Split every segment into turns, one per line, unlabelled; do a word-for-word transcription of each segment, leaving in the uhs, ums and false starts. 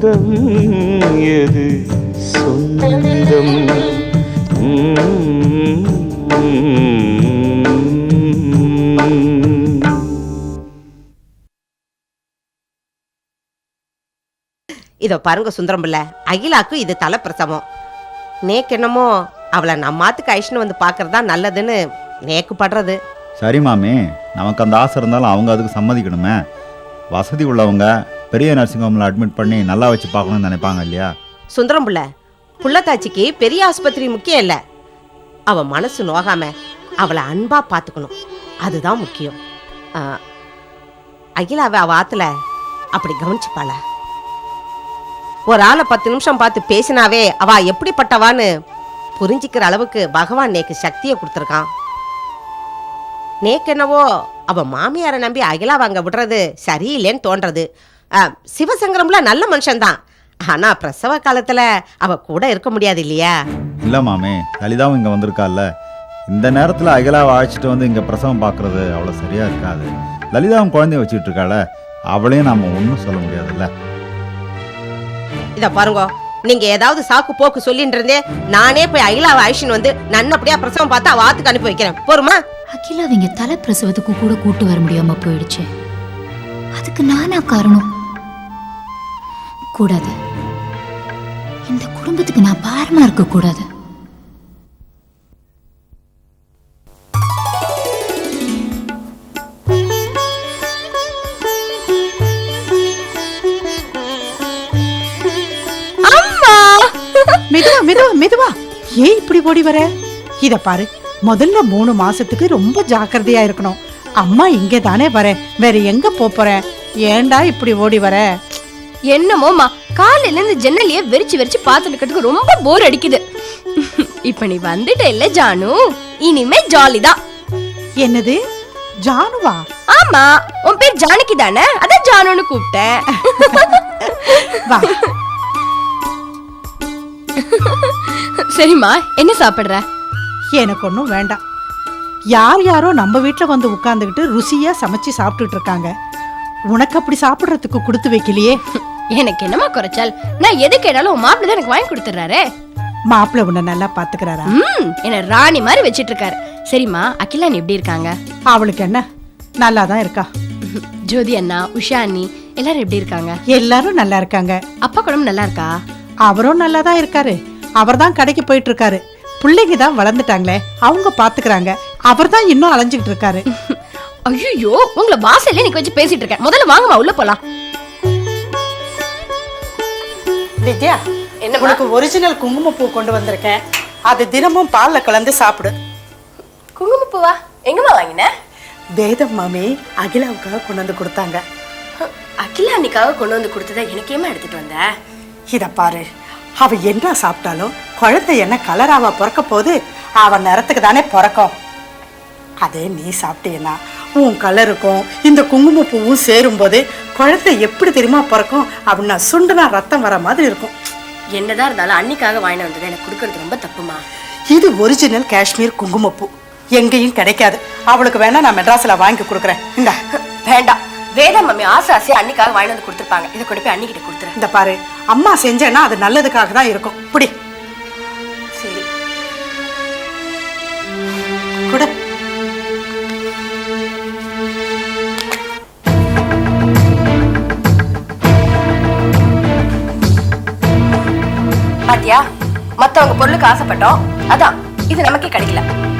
பந்தம் எது சொந்தம்.
இதோ பாருங்க சுந்தரம் பிள்ளை, அகிலாக்கு இது தலைப்பிரசவம். நேக்கு என்னமோ அவளை நம்மாத்துக்கு ஐஷ்னு வந்து பார்க்கறதா நல்லதுன்னு நேக்கு படுறது.
சரி மாமி, நமக்கு அந்த ஆசை இருந்தாலும் அவங்க அதுக்கு சம்மதிக்கணுமே. வசதி உள்ளவங்க பெரிய நர்சிங் ஹோமில் அட்மிட் பண்ணி நல்லா வச்சு பார்க்கணும்னு நினைப்பாங்க இல்லையா?
சுந்தரம் பிள்ளை, புள்ளத்தாச்சிக்கு பெரிய ஆஸ்பத்திரி முக்கியம் இல்லை, அவள் மனசு நோகாம அவளை அன்பா பார்த்துக்கணும், அதுதான் முக்கியம். அகிலாவை அவ ஆத்துல அப்படி கவனிச்சுப்பாள. ஒரு ஆளை பத்து நிமிஷம் பார்த்து பேசினாவே அவ எப்படிப்பட்டவான்னு புரிஞ்சிக்கிற அளவுக்கு பகவான் நேக்கு சக்தியை கொடுத்துருக்கான். நேக்கு என்னவோ அவ மாமியாரை நம்பி அகிலா வாங்க விடுறது சரியில்லைன்னு தோன்றது. சிவசங்கரம்ல நல்ல மனுஷன்தான், ஆனா பிரசவ காலத்துல அவ கூட இருக்க முடியாது இல்லையா?
இல்லை மாமி, லலிதாவும் இங்கே வந்திருக்கால, இந்த நேரத்தில் அகிலாவை அழைச்சிட்டு வந்து இங்கே பிரசவம் பார்க்குறது அவ்வளோ சரியாக இருக்காது. லலிதாவும் குழந்தைய வச்சுக்கிட்டு இருக்காள, அவளையும் நாம் ஒன்றும் சொல்ல முடியாதுல்ல.
இத பாருங்க, நீங்க ஏதாவது சாக்கு போக்கு சொல்லிட்டு இருந்தே நானே போய் அகிலாவை அழிச்சுன்னு வந்து நல்லபடியா பிரசவம் பார்த்து அவ ஆத்துக்கு அனுப்பி வைக்கிறேன், போருமா?
அகிலா அவங்க தலை பிரசவத்துக்கு கூட கூட்டு வர முடியாம போயிடுச்சு, அதுக்கு நானா காரணம்? கூடாது, இந்த குடும்பத்துக்கு நான் பாரமா இருக்க கூடாது.
மெதுவா மெதுவா மெதுவா, ஏன் இப்படி ஓடி வர? இத பாரு, முதல்ல மூணு மாசத்துக்கு ரொம்ப ஜாக்கிரதையா இருக்கணும். அம்மா இங்கே தானே வரேன், வேற எங்க போறேன்? ஏண்டா இப்படி ஓடி வர?
என்னமோமா, காலையில இருந்து ஜன்னலையே வெறிச்சு வெறிச்சு பாத்துட்டு ரொம்ப போர் அடிக்குது. இப்ப நீ வந்துட்ட இல்ல ஜானு, இனிமே ஜாலிதான்.
என்னது ஜானுவா?
ஆமா, உன் பேர் ஜானகி தானே, அதான் ஜானுன்னு கூப்பிட்டேன்.
வா.
சரிம்மா, என்ன சாப்பிடுற?
எனக்கு ஒன்றும் வேண்டாம். யார் யாரோ நம்ம வீட்டில் வந்து உட்கார்ந்துக்கிட்டு ருசியா சமைச்சு சாப்பிட்டுட்டு இருக்காங்க, உனக்கு அப்படி சாப்பிட்றதுக்கு கொடுத்து வைக்கலையே.
எனக்கு என்னமா குறைச்சால்? நான் எது கேட்டாலும் உன் மாப்பிள்ள தான் எனக்கு வாங்கி கொடுத்துறாரு.
மாப்பிள்ள உன்னை நல்லா பாத்துக்கிறாரா?
ம், என்ன ராணி மாதிரி வச்சிட்டு இருக்காரு. சரிம்மா, அகிலா நீ எப்படி இருக்காங்க?
அவளுக்கு என்ன, நல்லா தான் இருக்கா.
ஜோதி அண்ணா, உஷா அண்ணி எல்லாரும் எப்படி இருக்காங்க?
எல்லாரும் நல்லா இருக்காங்க.
அப்பா குடும்பம் நல்லா இருக்கா?
அவரும் நல்லா தான் இருக்காரு. அவர் தான் கடைக்கு போயிட்டு இருக்காரு. பிள்ளைங்க தான் வளர்ந்துட்டாங்களே, அவங்க பாத்துக்கிறாங்க. அவர் தான் இன்னும் அலைஞ்சுக்கிட்டு இருக்காரு.
ஐயோ, உங்களை வாசல்ல நிக்க வச்சு பேசிட்டு இருக்கேன். முதல்ல வாங்கம்மா, உள்ள போலாம்.
வித்யா, என்ன உனக்கு ஒரிஜினல் குங்குமப்பூ கொண்டு வந்திருக்கேன், அது தினமும் பால்ல கலந்து சாப்பிடு.
குங்குமப்பூவா? எங்கம்மா வாங்கின?
வேதம் மாமி அகிலாவுக்காக கொண்டு வந்து கொடுத்தாங்க.
அகிலா அன்னைக்காக கொண்டு வந்து கொடுத்ததை எனக்கேமா எடுத்துட்டு வந்த?
இத பாரு, அவ என்ன சாப்பிட்டாலும் குழந்தை என்ன கலராவா பிறக்க போது, அவன் நிறத்துக்கு தானே பிறக்கும். அதே நீ சாப்பிட்டேன்னா உன் கலருக்கும் இந்த குங்குமப்பூவும் சேரும் போது குழந்தை எப்படி தெரியுமா பிறக்கும்? அப்படின்னா சுண்டுனா ரத்தம் வர மாதிரி இருக்கும்.
என்னதான் இருந்தாலும் அன்னைக்காக வாங்கின வந்தது எனக்கு கொடுக்கறது ரொம்ப தப்புமா.
இது ஒரிஜினல் காஷ்மீர் குங்குமப்பூ, எங்கேயும் கிடைக்காது. அவளுக்கு வேணா நான் மெட்ராஸ்ல வாங்கி கொடுக்குறேன். இந்த
வேண்டாம், வேதா மம்மி ஆசை ஆசையா அன்னைக்காக வாங்கி வந்து கொடுத்துருப்பாங்க, இதை கொண்டு போய் அன்னிக்கிட்ட கொடுத்துறேன்.
இந்த பாரு, அம்மா செஞ்சேன்னா அது நல்லதுக்காக தான் இருக்கும். புடி.
சரி
குடு.
பாத்தியா, மத்தவங்க பொருளுக்கு ஆசைப்பட்டோம், அதான் இது நமக்கே கிடைக்கல.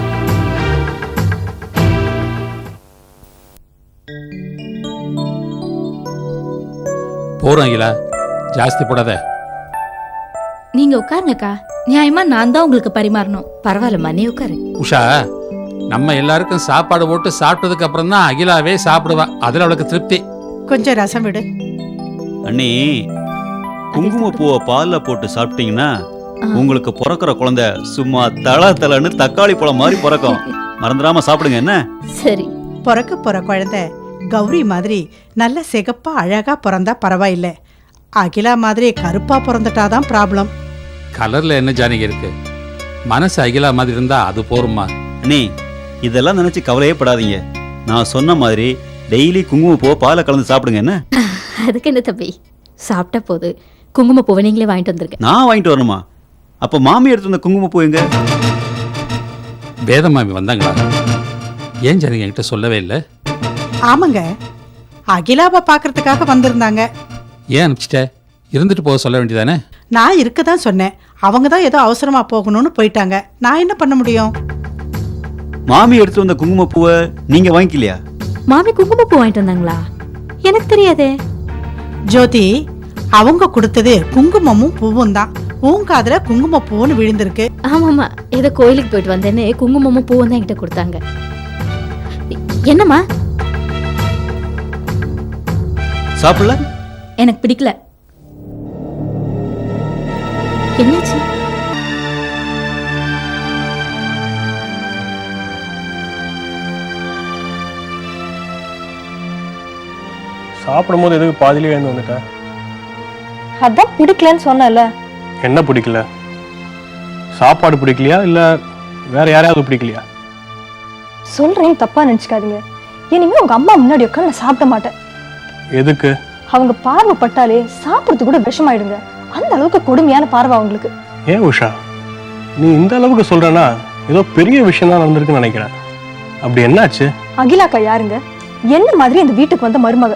போறோம் அகிலா, ஜாஸ்தி போடாத.
நீங்க உட்காருங்கக்கா, நியாயமா நான் தான் உங்களுக்கு பரிமாறணும். பரவாயில்லம்மா, நீ உட்காரு.
உஷா, நம்ம எல்லாருக்கும் சாப்பாடு போட்டு சாப்பிட்டதுக்கு அப்புறம் தான் அகிலாவே சாப்பிடுவா, அதுல அவளுக்கு திருப்தி.
கொஞ்சம் ரசம் விடு.
அண்ணி, குங்குமப்பூவை பால்ல போட்டு சாப்பிட்டீங்கன்னா உங்களுக்கு பிறக்கிற குழந்தை சும்மா தள தளன்னு தக்காளி பழம் மாதிரி பிறக்கும். மறந்துடாம சாப்பிடுங்க. என்ன?
சரி.
பிறக்க போற குழந்தை கௌரி மாதிரி நல்ல சிகப்பா அழகா பிறந்தா பரவாயில்ல, அகிலா மாதிரி கருப்பா பிறந்துட்டாதான் ப்ராப்ளம்.
கலர்ல என்ன ஜானகி இருக்கு, மனசு அகிலா மாதிரி இருந்தா அது போருமா.
அண்ணி, இதெல்லாம் நினைச்சு கவலையே படாதீங்க. நான் சொன்ன மாதிரி டெய்லி குங்குமப்பூவை பாலை கலந்து சாப்பிடுங்க. என்ன?
அதுக்கு என்ன தம்பி, சாப்பிட்ட போது குங்குமப்பூவை நீங்களே வாங்கிட்டு வந்திருக்கேன்.
நான் வாங்கிட்டு வரணுமா? அப்ப மாமி எடுத்து வந்த குங்குமப்பூ எங்க?
வேதமாமி வந்தாங்களா? ஏன் ஜானகி என்கிட்ட சொல்லவே இல்லை?
ஆமாங்க, அகிலாவை பார்க்கறதுக்காக வந்திருந்தாங்க.
ஏன் அனுப்பிச்சிட்ட? இருந்துட்டு போக சொல்ல வேண்டியதானே?
நான் இருக்க தான் சொன்னேன். அவங்க தான் ஏதோ அவசரமா போகணும்னு போயிட்டாங்க. நான் என்ன பண்ண முடியும்?
மாமி எடுத்து வந்த குங்குமப்பூவை நீங்க வாங்கிக்கலையா?
மாமி குங்குமப்பூ வாங்கிட்டு வந்தாங்களா? எனக்கு தெரியாதே.
ஜோதி, அவங்க கொடுத்தது குங்குமமும் பூவும் தான். உன் காதுல குங்குமப்பூன்னு விழுந்திருக்கு.
ஆமாமா, ஏதோ கோயிலுக்கு போயிட்டு வந்தேன்னு குங்குமமும் பூவும் தான் என்கிட்ட கொடுத்தாங்க. என்னம்மா?
சாப்பிடல?
எனக்கு பிடிக்கல. என்னாச்சு?
சாப்பிடும்போது எதுக்கு பாதியிலே எழுந்து வந்துட்டேன்?
அதான் பிடிக்கலன்னு சொன்னல.
என்ன பிடிக்கல? சாப்பாடு பிடிக்கலையா இல்ல வேற யாரையாவது பிடிக்கலையா?
சொல்றேன், தப்பா நினைச்சுக்காதீங்க. இனிமே உங்க அம்மா முன்னாடி உட்காந்து நான் சாப்பிட மாட்டேன்.
எதுக்கு?
அவங்க பார்வை பட்டாலே சாப்பிடுறது கூட விஷமாயிடுங்க. அந்த அளவுக்கு கொடுமையான பார்வை அவங்களுக்கு.
ஏன் உஷா, நீ இந்த அளவுக்கு சொல்றனா ஏதோ பெரிய விஷயம் தான் நடந்திருக்குன்னு நினைக்கிறேன். அப்படி என்னாச்சு?
அகிலாக்கா யாருங்க? என்ன மாதிரி இந்த வீட்டுக்கு வந்த மருமக.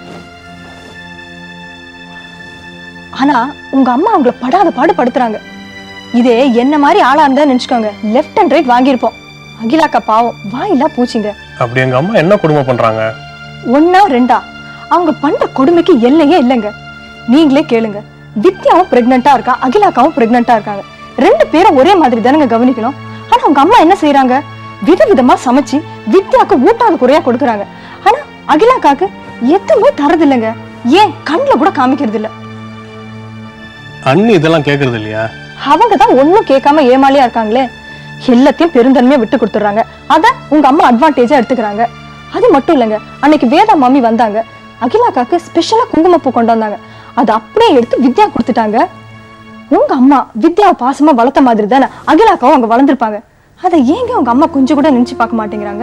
ஆனா உங்க அம்மா அவங்கள படாத பாடு படுத்துறாங்க. இதே என்ன மாதிரி ஆளா இருந்தா நினைச்சுக்கோங்க, லெஃப்ட் அண்ட் ரைட் வாங்கியிருப்போம். அகிலாக்கா பாவம் வாயிலா பூச்சிங்க.
அப்படி எங்க அம்மா என்ன கொடுமை பண்றாங்க?
ஒன்னா ரெண்டா, அவங்க பண்ற கொடுமைக்கு எல்லையே இல்லைங்க. நீங்களே கேளுங்க. வித்யாவும் பிரெக்னெண்டா இருக்கா, அகிலாக்காவும் பிரெக்னெண்டா இருக்காங்க. ரெண்டு பேரும் ஒரே மாதிரி தானங்க கவனிக்கணும். ஆனா அவங்க அம்மா என்ன செய்யறாங்க? விதவிதமா சமைச்சு வித்யாக்கு ஊட்டாத குறையா கொடுக்கறாங்க. ஆனா அகிலாக்காக்கு எதுவுமே தரது இல்லைங்க. ஏன் கண்ணுல கூட காமிக்கிறது இல்ல.
அண்ணி இதெல்லாம் கேக்குறது இல்லையா?
அவங்க தான் ஒன்னும் கேட்காம ஏமாலியா இருக்காங்களே. எல்லாத்தையும் பெருந்தன்மையா விட்டு கொடுத்துறாங்க. அத உங்க அம்மா அட்வான்டேஜா எடுத்துக்கிறாங்க. அது மட்டும் இல்லைங்க, அன்னைக்கு வேதா மாமி வந்தாங்க. அகிலாக்காக்கு ஸ்பெஷலா குங்குமப்பூ கொண்டு வந்தாங்க. அது அப்படியே எடுத்து வித்யா கொடுத்துட்டாங்க. உங்க அம்மா வித்யாவை பாசமா வளர்த்த மாதிரி தானே அகிலாக்காவும் அவங்க வளர்ந்துருப்பாங்க. அதை ஏங்க உங்க அம்மா கொஞ்சம் கூட நினைச்சு பார்க்க மாட்டேங்கிறாங்க?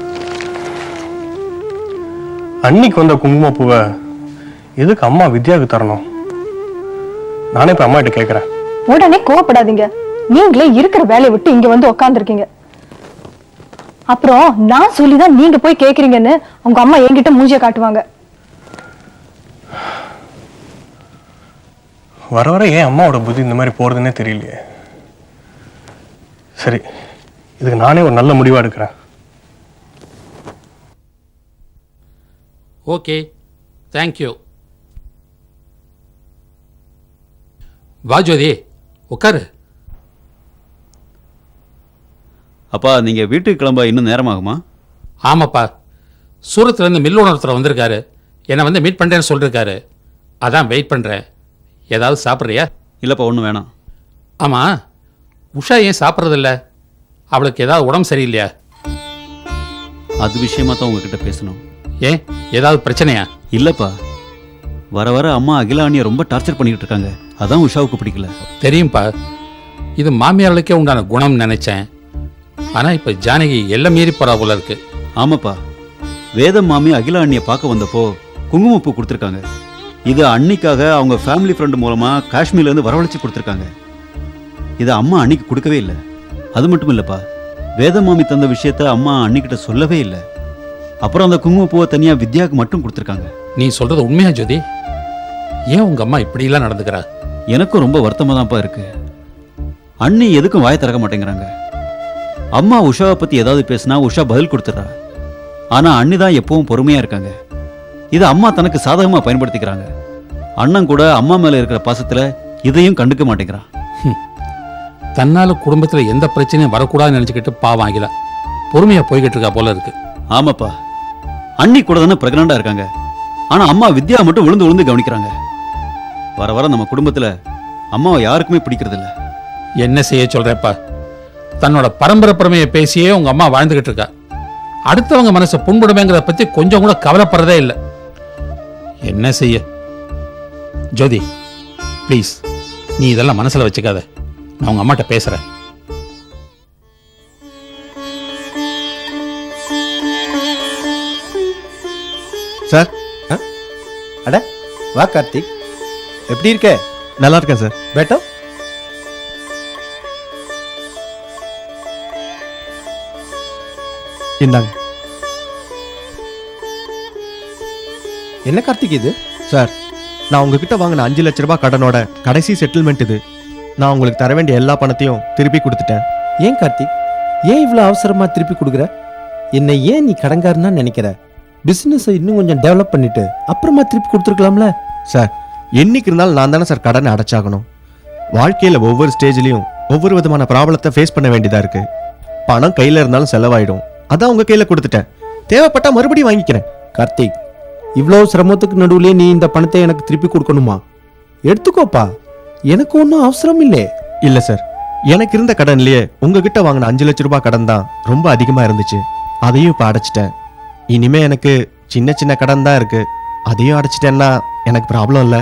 அன்னைக்கு வந்த குங்குமப்பூவை எதுக்கு அம்மா வித்யாவுக்கு தரணும்? நானே இப்ப அம்மா கிட்ட கேக்குறேன்.
உடனே கோவப்படாதீங்க. நீங்களே இருக்கிற வேலையை விட்டு இங்க வந்து உட்காந்துருக்கீங்க. அப்புறம் நான் சொல்லிதான் நீங்க போய் கேக்குறீங்கன்னு உங்க அம்மா என்கிட்ட மூஞ்சிய காட்டுவாங்க.
வர வர ஏன் அம்மாவோட புத்தி இந்த மாதிரி போறதுன்னே தெரியலையே. சரி, இதுக்கு நானே ஒரு நல்ல முடிவா எடுக்கிறேன்.
Okay, thank you. வா ஜோதி, உட்காரு.
அப்பா நீங்க வீட்டுக்கு கிளம்ப இன்னும் நேரமாகுமா?
ஆமாப்பா, சூரத்துலேருந்து மில் ஓனர்த்தர் வந்திருக்காரு. என்னை வந்து மீட் பண்ணுறேன்னு சொல்லியிருக்காரு. அதான் வெயிட் பண்ணுறேன். ஏதாவது சாப்பிட்றியா?
இல்லைப்பா, ஒன்றும் வேணாம்.
ஆமாம், உஷா ஏன் சாப்பிட்றதில்ல? அவளுக்கு ஏதாவது உடம்பு சரியில்லையா?
அது விஷயமா தான் உங்ககிட்ட பேசணும்.
ஏன், ஏதாவது பிரச்சனையா?
இல்லைப்பா, வர வர அம்மா அகிலா அண்ணியை ரொம்ப டார்ச்சர் பண்ணிக்கிட்டு இருக்காங்க. அதான் உஷாவுக்கு பிடிக்கல.
தெரியும்ப்பா, இது மாமியார்களுக்கே உண்டான குணம்னு நினைச்சேன். ஆனால் இப்போ ஜானகி எல்லாம் மீறி போறா போல இருக்கு.
ஆமாப்பா, வேதம் மாமி அகிலா அண்ணியை பார்க்க வந்தப்போ குங்குமப்பூ கொடுத்துருக்காங்க. இது அன்னிக்காக அவங்க ஃபேமிலி ஃப்ரெண்டு மூலமா காஷ்மீர்லேருந்து வரவழைச்சு கொடுத்துருக்காங்க. இதை அம்மா அன்னிக்கு கொடுக்கவே இல்லை. அது மட்டும் இல்லைப்பா, வேத மாமி தந்த விஷயத்த அம்மா அன்னிக்கிட்ட சொல்லவே இல்லை. அப்புறம் அந்த குங்குமப்பூவை தனியாக வித்யாவுக்கு மட்டும் கொடுத்துருக்காங்க.
நீ சொல்றது உண்மையா ஜோதி? ஏன் உங்க அம்மா இப்படிலாம் நடந்துக்கிறா?
எனக்கும் ரொம்ப வருத்தமாக தான்ப்பா இருக்கு. அண்ணி எதுக்கும் வாயை திறக்க மாட்டேங்கிறாங்க. அம்மா உஷாவை பற்றி ஏதாவது பேசினா உஷா பதில் கொடுத்துட்றா. ஆனால் அண்ணி தான் எப்பவும் பொறுமையாக இருக்காங்க. இதை அம்மா தனக்கு சாதகமாக பயன்படுத்திக்கிறாங்க. அண்ணன் கூட அம்மா மேலே இருக்கிற பாசத்தில் இதையும் கண்டுக்க மாட்டேங்கிறான்.
தன்னால குடும்பத்தில் எந்த பிரச்சனையும் வரக்கூடாதுன்னு நினச்சிக்கிட்டு பாவம் ஆகில பொறுமையாக போய்கிட்டு இருக்கா போல இருக்கு.
ஆமாப்பா, அண்ணி கூட தானே பிரெக்னண்டாக இருக்காங்க. ஆனால் அம்மா வித்யா மட்டும் விழுந்து விழுந்து கவனிக்கிறாங்க. வர வர நம்ம குடும்பத்தில் அம்மாவை யாருக்குமே பிடிக்கிறதில்ல.
என்ன செய்ய சொல்றப்பா? தன்னோட பரம்பரை பெருமையை பேசியே உங்க அம்மா வாழ்ந்துகிட்டு இருக்கா. அடுத்தவங்க மனசை புண்படுமேங்கிறத பத்தி கொஞ்சம் கூட கவலைப்படுறதே இல்லை. என்ன செய்ய? ஜோதி ப்ளீஸ், நீ இதெல்லாம் மனசுல வச்சுக்காத. நான் உங்க அம்மாட்ட பேசுறேன்.
சார், அட வா கார்த்திக், எப்படி இருக்க?
நல்லா இருக்கேன் சார்.
बेटा
இந்தாங்க
என்ன கார்த்திக் இது?
சார். நான் உங்ககிட்ட வாங்கின அஞ்சு லட்ச ரூபாய் கடனோட கடைசி செட்டில்மெண்ட் இது. நான் உங்களுக்கு தர வேண்டிய எல்லா பணத்தையும் திருப்பி கொடுத்துட்டேன்.
ஏன் கார்த்திக், ஏன் இவ்வளவு அவசரமா திருப்பி கொடுக்குற? என்னை ஏன் நீ கடங்காரனா நினைக்கிற? பிசினஸ் இன்னும் கொஞ்சம் டெவலப் பண்ணிட்டு அப்புறமா திருப்பி கொடுத்துருக்கலாம்ல.
சார், என்னைக்கு இருந்தாலும் நான் தானே சார் கடனை அடைச்சாகணும். வாழ்க்கையில ஒவ்வொரு ஸ்டேஜ்லயும் ஒவ்வொரு விதமான ப்ராப்ளத்தை ஃபேஸ் பண்ண வேண்டியதா இருக்கு. பணம் கையில இருந்தாலும் செலவாயிடும். அதான் உங்க கையில கொடுத்துட்டேன். தேவைப்பட்டா மறுபடியும் வாங்கிக்கிறேன்.
கார்த்திக், இவ்வளவு சிரமத்துக்கு நடுவுலயே நீ இந்த பணத்தை எனக்கு திருப்பி கொடுக்கணுமா? எடுத்துக்கோப்பா, எனக்கு ஒன்றும் அவசரம் இல்லை.
இல்ல சார், எனக்கு இருந்த கடன்லயே உங்ககிட்ட வாங்கின அஞ்சு லட்ச ரூபாய் கடன் தான் ரொம்ப அதிகமா இருந்துச்சு. அதையும் இப்ப அடைச்சிட்டேன். இனிமே எனக்கு சின்ன சின்ன கடன் தான் இருக்கு. அதையும் அடைச்சிட்டேன்னா எனக்கு ப்ராப்ளம் இல்லை.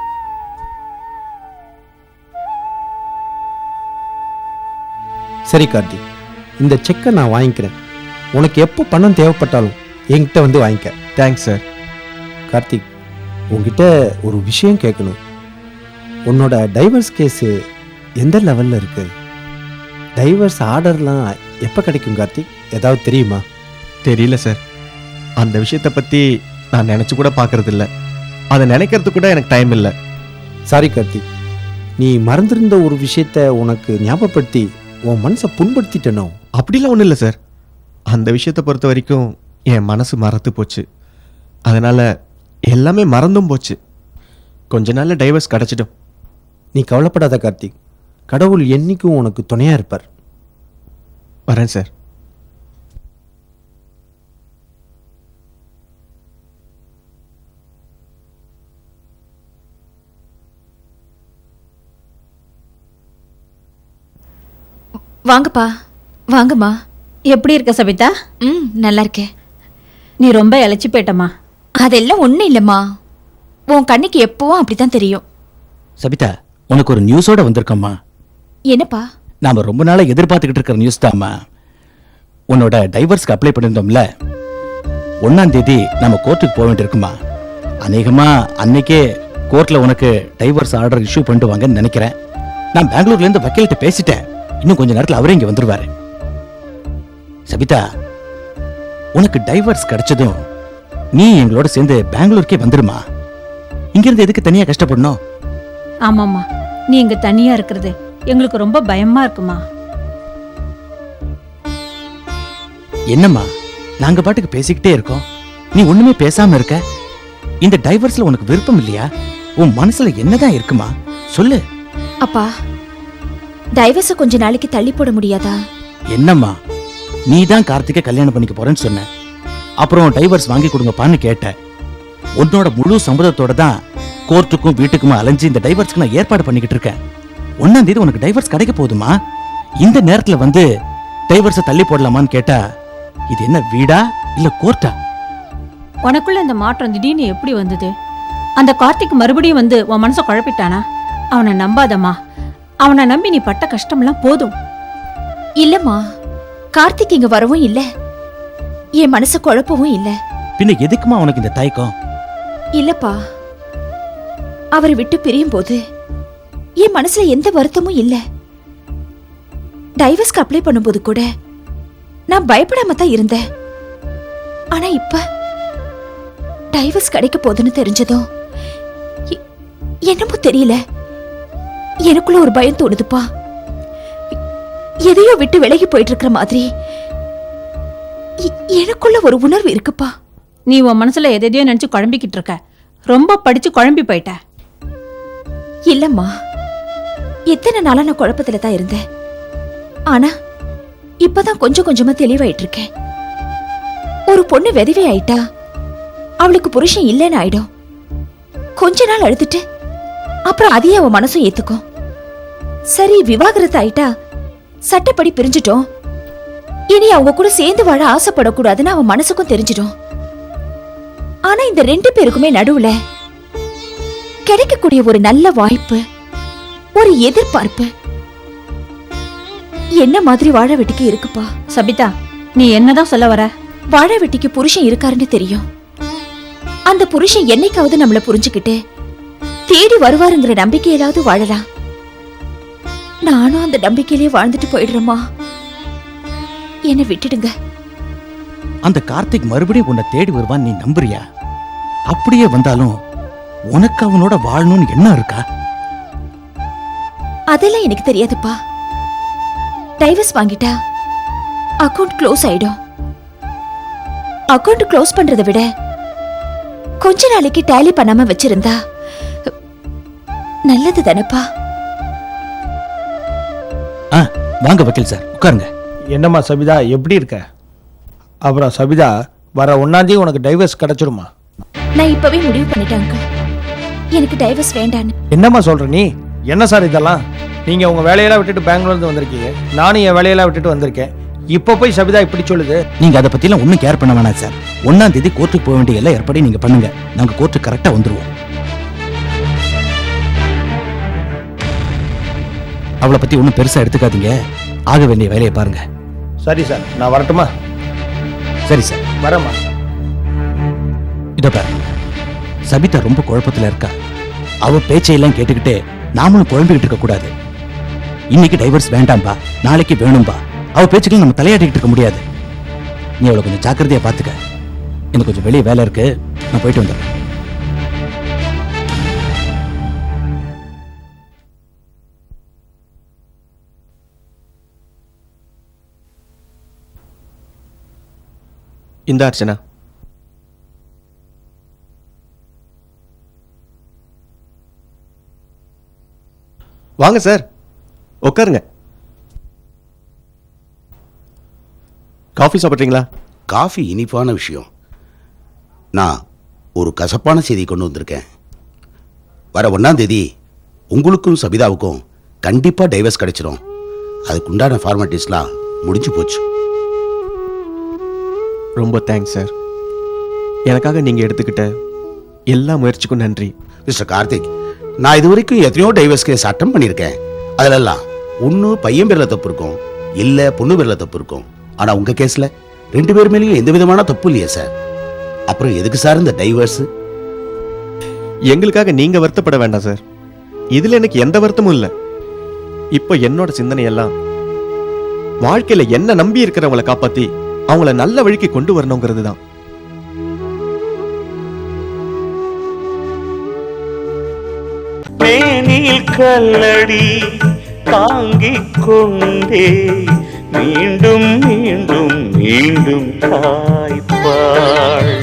சரி கார்த்திக், இந்த செக்கை நான் வாங்கிக்கிறேன். உனக்கு எப்போ பணம் தேவைப்பட்டாலும் என்கிட்ட வந்து வாங்கிக்க.
Thanks sir.
கார்த்திக், உங்ககிட்ட ஒரு விஷயம் கேட்கணும். உன்னோட டைவர்ஸ் கேஸு எந்த லெவலில் இருக்கு? டைவர்ஸ் ஆர்டர்லாம் எப்போ கிடைக்கும் கார்த்திக்? ஏதாவது தெரியுமா?
தெரியல சார். அந்த விஷயத்தை பத்தி நான் நினைச்சு கூட பார்க்கறது இல்ல. அதை நினைக்கிறது கூட எனக்கு டைம் இல்லை.
சாரி கார்த்திக், நீ மறந்திருந்த ஒரு விஷயத்த உனக்கு ஞாபகப்படுத்தி உன் மனசை புண்படுத்திட்டனோ?
அப்படிலாம் ஒன்றும் இல்லை சார். அந்த விஷயத்தை பொறுத்த வரைக்கும் என் மனசு மறத்து போச்சு. அதனால எல்லாமே மறந்தும் போச்சு. கொஞ்ச நாள்ல டைவர்ஸ் கிடைச்சிடும்.
நீ கவலைப்படாத கார்த்திக், கடவுள் என்னைக்கும் உனக்கு துணையா இருப்பார்.
வரேன் சார்.
வாங்கப்பா, வாங்கம்மா.
எப்படி இருக்க சபிதா?
ம், நல்லா இருக்கேன்.
நீ ரொம்ப இழைச்சி போயிட்டம்மா.
அதெல்லாம் ஒன்றும் இல்லைம்மா. உன் கண்ணுக்கு எப்பவும் அப்படித்தான் தெரியும்.
சபிதா, உனக்கு ஒரு நியூஸோட வந்திருக்கம்மா.
என்னப்பா?
நாம ரொம்ப நாளா எதிர்பார்த்துக்கிட்டு இருக்கிற நியூஸ் தாம்மா. உன்னோட டைவர்ஸ்க்கு அப்ளை பண்ணியிருந்தோம்ல, ஒன்னாம் தேதி நம்ம கோர்ட்டுக்கு போக வேண்டியிருக்குமா. அநேகமா அன்னைக்கே கோர்ட்ல உனக்கு டைவர்ஸ் ஆர்டர் இஷ்யூ பண்ணுவாங்கன்னு நினைக்கிறேன். நான் பெங்களூர்ல இருந்து வக்கீல்கிட்ட பேசிட்டேன். இன்னும் கொஞ்ச நேரத்தில் அவரே இங்க வந்துருவாரு. சபிதா, உனக்கு டைவர்ஸ் கிடைச்சதும் நீ எங்களோட சேர்ந்து பெங்களூருக்கே வந்துருமா. இங்கிருந்து எதுக்கு தனியா கஷ்டப்படணும்?
ஆமாம்மா, நீ இங்க தனியா இருக்கிறது எங்களுக்கு ரொம்ப பயமா இருக்குமா.
என்னம்மா, நாங்க பாட்டுக்கு பேசிக்கிட்டே இருக்கோம், நீ ஒண்ணுமே பேசாம இருக்க. இந்த டைவர்ஸ்ல உனக்கு விருப்பம் இல்லையா? உன் மனசுல என்னதான் இருக்குமா, சொல்லு.
அப்பா, டைவர்ஸை கொஞ்ச நாளைக்கு தள்ளி போட முடியாதா?
என்னம்மா, நீ தான் கார்த்திகை கல்யாணம் பண்ணிக்க போறேன்னு சொன்ன. அப்புறம் டைவர்ஸ் வாங்கி கொடுங்கப்பான்னு கேட்ட. உன்னோட முழு சம்மதத்தோட தான் கோர்ட்டுக்கும் வீட்டுக்கும் அலைஞ்சு இந்த டைவர்ஸ்க்கு நான் ஏற்பாடு பண்ணிக்கிட்டு இருக்கேன். ஒன்னாம் தேதி உனக்கு டைவர்ஸ் கிடைக்க போகுதுமா. இந்த நேரத்துல வந்து டைவர்ஸை தள்ளி போடலாமான்னு கேட்டா இது என்ன வீடா இல்ல கோர்ட்டா?
உனக்குள்ள இந்த மாற்றம் திடீர்னு எப்படி வந்தது? அந்த கார்த்திக் மறுபடியும் வந்து உன் மனசை குழப்பிட்டானா? அவனை நம்பாதம்மா. அவனை நம்பி நீ பட்ட கஷ்டம்லாம் போதும்.
இல்லம்மா, கார்த்திக் இங்க வரவும் இல்ல, என் மனசை குழப்பவும் இல்ல.
பின்ன எதுக்குமா உனக்கு இந்த தயக்கம்?
இல்லப்பா, அவரை விட்டு பிரியும் போது என் மனசுல எந்த வருத்தமும் இல்ல. டைவர்ஸ்க்கு அப்ளை பண்ணும்போது கூட நான் பயப்படாம தான் இருந்தேன். ஆனா இப்ப டைவர்ஸ் கிடைக்க போதுன்னு தெரிஞ்சதும் எ- என்னமோ தெரியல, எனக்குள்ள ஒரு பயம் தோணுதுப்பா. எதையோ விட்டு விலகி போயிட்டு இருக்கிற மாதிரி எ- எனக்குள்ள ஒரு உணர்வு இருக்குப்பா.
நீ உன் மனசுல எதையோ நினைச்சு குழம்பிக்கிட்டு இருக்க. ரொம்ப படிச்சு குழம்பி போயிட்ட.
இல்லம்மா, எத்தனை நாளா நான் குழப்பத்துல தான் இருந்தேன். ஆனா இப்பதான் கொஞ்சம் கொஞ்சமா தெளிவாயிட்டு இருக்கேன். ஒரு பொண்ணு விதவை ஆயிட்டா அவளுக்கு புருஷன் இல்லைன்னு ஆயிடும். கொஞ்ச நாள் அழுதுட்டு அப்புறம் அதையே அவ மனசும் ஏத்துக்கும். சரி, விவாகரத்து ஆயிட்டா சட்டப்படி பிரிஞ்சிட்டோம், இனி அவங்க கூட சேர்ந்து வாழ ஆசைப்படக்கூடாதுன்னு அவன் மனசுக்கும் தெரிஞ்சிடும். ஆனா இந்த ரெண்டு பேருக்குமே நடுவுல கிடைக்கக்கூடிய ஒரு நல்ல வாய்ப்பு, ஒரு எதிர்பார்ப்பு என்ன மாதிரி வாழ வெட்டிக்கு இருக்குப்பா.
சபிதா, நீ என்னதான் சொல்ல வர?
வாழ வெட்டிக்கு புருஷன் இருக்காருன்னு தெரியும். அந்த புருஷன் என்னைக்காவது நம்மள புரிஞ்சுக்கிட்டு தேடி வருவாருங்கிற நம்பிக்கையிலாவது வாழலாம். நானும் அந்த நம்பிக்கையிலேயே வாழ்ந்துட்டு போயிடுறேம்மா. என்னை விட்டுடுங்க.
அந்த கார்த்திக் மறுபடியும் உன்னை தேடி வருவான் நீ நம்புறியா? அப்படியே வந்தாலும் உனக்கு அவனோட வாழணும்னு என்ன இருக்கா?
அதெல்லாம் எனக்கு தெரியாதுப்பா. டைவர்ஸ் வாங்கிட்டா அக்கவுண்ட் க்ளோஸ் ஆயிடும். அக்கவுண்ட் க்ளோஸ் பண்றதை விட கொஞ்ச நாளைக்கு டேலி பண்ணாம வச்சிருந்தா நல்லது தானப்பா.
ஆ, வாங்க வக்கீல் சார், உட்காருங்க.
என்னம்மா சபிதா, எப்படி இருக்க? அப்புறம் சபிதா, வர ஒன்னாந்தேதி உனக்கு டைவர்ஸ் கிடைச்சிருமா?
நான் இப்பவே முடிவு பண்ணிட்டேன் அங்கிள், எனக்கு டைவர்ஸ் வேண்டான்னு.
என்னம்மா சொல்ற நீ? என்ன சார் இதெல்லாம்? நீங்க உங்க வேலையெல்லாம் விட்டுட்டு பெங்களூர்ல இருந்து வந்திருக்கீங்க, நானும் என் வேலையெல்லாம் விட்டுட்டு வந்திருக்கேன். இப்ப போய் சபிதா இப்படி சொல்லுது?
நீங்க அதை பத்தி எல்லாம் ஒன்னும் கேர் பண்ண வேணாம் சார். ஒன்னாம் தேதி கோர்ட்டுக்கு போக வேண்டிய எல்லாம் ஏற்பாடு நீங்க பண்ணுங்க. நாங்க கோர்ட்டுக்கு கரெக்டா வந்துருவோம். அவளை பத்தி ஒன்னும் பெருசா எடுத்துக்காதீங்க. ஆக வேண்டிய வேலையை பாருங்க.
சரி சார், நான் வரட்டுமா?
சரி சார்,
வரேம்மா.
இத பாரு, சபிதா ரொம்ப குழப்பத்துல இருக்கா. அவ பேச்சையெல்லாம் கேட்டுக்கிட்டு நாமளும் குழம்பிக்கிட்டு இருக்க கூடாது. இன்னைக்கு டைவர்ஸ் வேண்டாம்பா, நாளைக்கு வேணும்பா. அவ பேச்சுக்கள் நம்ம தலையாட்டிக்கிட்டு இருக்க முடியாது. நீ அவளை கொஞ்சம் ஜாக்கிரதையா பாத்துக்க. எனக்கு கொஞ்சம் வெளியே வேலை இருக்கு, நான் போயிட்டு வந்துடுறேன்.
இந்த அர்ச்சனா, வாங்க சார், உட்காருங்க. காஃபி சாப்பிட்றீங்களா?
காஃபி இனிப்பான விஷயம். நான் ஒரு கசப்பான செய்தி கொண்டு வந்திருக்கேன். வர ஒன்றாம் தேதி உங்களுக்கும் சபிதாவுக்கும் கண்டிப்பாக டைவர்ஸ் கிடைச்சிடும். அதுக்குண்டான ஃபார்மாலிட்டிஸ்லாம் முடிஞ்சு போச்சு.
ரொம்ப தேங்க்ஸ் சார். எனக்காக நீங்கள் எடுத்துக்கிட்ட எல்லா முயற்சிக்கும் நன்றி.
மிஸ்டர் கார்த்திக், நான் இது வரைக்கும் எத்தனையோ டைவர்ஸ் கேஸ் அட்டம் பண்ணியிருக்கேன். அதிலெல்லாம் ஒன்று பையன் பேரில் தப்பு இருக்கும், இல்லை பொண்ணு பேரில் தப்பு இருக்கும். ஆனால் உங்கள் கேஸில் ரெண்டு பேர் மேலேயும் எந்த விதமான தப்பு இல்லையே சார். அப்புறம் எதுக்கு சார் இந்த டைவர்ஸ்?
எங்களுக்காக நீங்கள் வருத்தப்பட வேண்டாம் சார். இதில் எனக்கு எந்த வருத்தமும் இல்லை. இப்போ என்னோட சிந்தனை எல்லாம் வாழ்க்கையில் என்ன நம்பி இருக்கிறவங்களை காப்பாற்றி அவங்கள நல்ல வழிக்கு கொண்டு வரணுங்கிறது தான்.
மேனில் கல்லடி தாங்கிக் கொண்டே மீண்டும் மீண்டும் மீண்டும் தாய்ப்பாள்